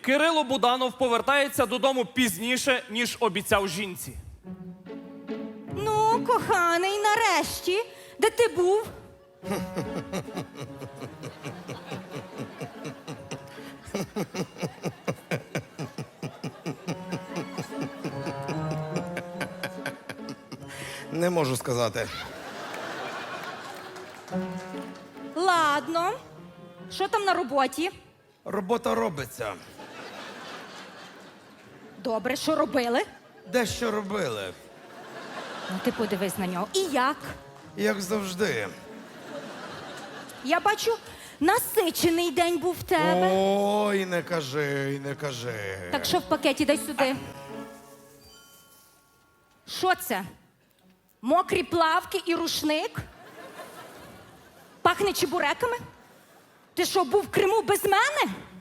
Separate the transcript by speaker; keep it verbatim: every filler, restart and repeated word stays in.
Speaker 1: Кирило Буданов повертається додому пізніше, ніж обіцяв жінці.
Speaker 2: Ну, коханий, нарешті. Де ти був?
Speaker 3: Не можу сказати.
Speaker 2: Ладно. Що там на роботі?
Speaker 3: Робота робиться.
Speaker 2: Добре, що робили?
Speaker 3: Дещо робили.
Speaker 2: Ну, ти подивись на нього. І як?
Speaker 3: Як завжди.
Speaker 2: Я бачу, насичений день був в тебе.
Speaker 3: Ой, не кажи, не кажи.
Speaker 2: Так що в пакеті, дай сюди. Що це? Мокрі плавки і рушник? Пахне чебуреками? Ти що, був в Криму без мене?